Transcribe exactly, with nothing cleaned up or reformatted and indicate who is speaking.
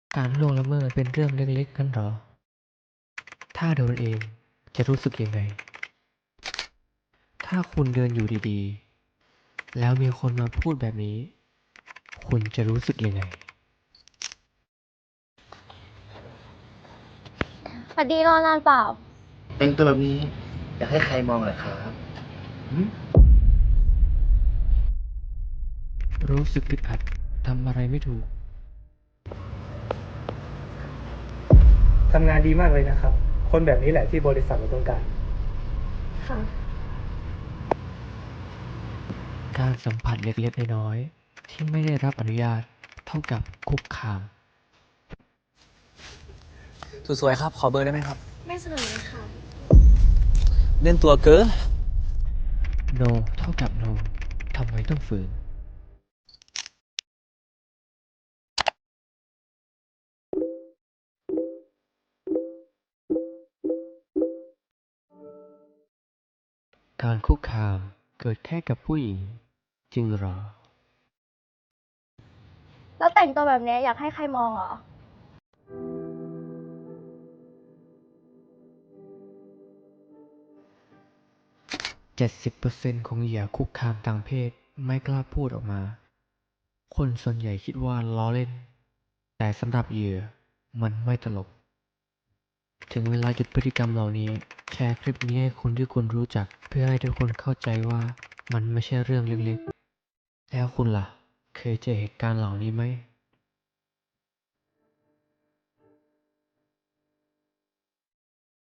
Speaker 1: การล่วงละเมิดเป็นเรื่องเล็กๆกันหรอ ถ้าโดนเองจะรู้สึกยังไง ถ้าคุณเดินอยู่ดีๆ แล้วมีคนมาพูดแบบนี้ คุณจะรู้สึกยังไง
Speaker 2: สวัสดีรอนานเปล่า
Speaker 3: แต่งตัวแบบนี้อยากให้ใครมองเหรอครับหืม
Speaker 1: รู้สึกอึดอัดทำอะไรไม่ถูก
Speaker 4: ทำงานดีมากเลยนะครับ คนแบบนี้แหละที่บริษัทเราต้องการ
Speaker 2: ค่ะ
Speaker 1: การสัมผัสเล็กๆน้อยๆที่ไม่ได้รับอนุญาตเท่ากับคุกคาม
Speaker 5: สวยๆครับ ขอเบอร์ได้ไหมครับ
Speaker 2: ไม่เสนอเลยค่ะ
Speaker 5: เล่นตัวเกิน
Speaker 1: no เท่ากับ no ทำไมต้องฝืน การคุกคามเกิดแค่กับผู้หญิง จริงหรอ
Speaker 2: แล้วแต่งตัวแบบนี้อยากให้ใครมองเหรอ
Speaker 1: เจ็ดสิบเปอร์เซ็นต์ ของเหยื่อคุกคามทางเพศไม่กล้าพูดออกมา คนส่วนใหญ่คิดว่าล้อเล่น แต่สำหรับเหยื่อมันไม่ตลก ถึงเวลาหยุดพฤติกรรมเหล่านี้ แชร์คลิปนี้ให้คนที่คุณรู้จัก เพื่อให้ทุกคนเข้าใจว่ามันไม่ใช่เรื่องเล็กๆ แล้วคุณล่ะ เคยเจอเหตุการณ์เหล่านี้ไหม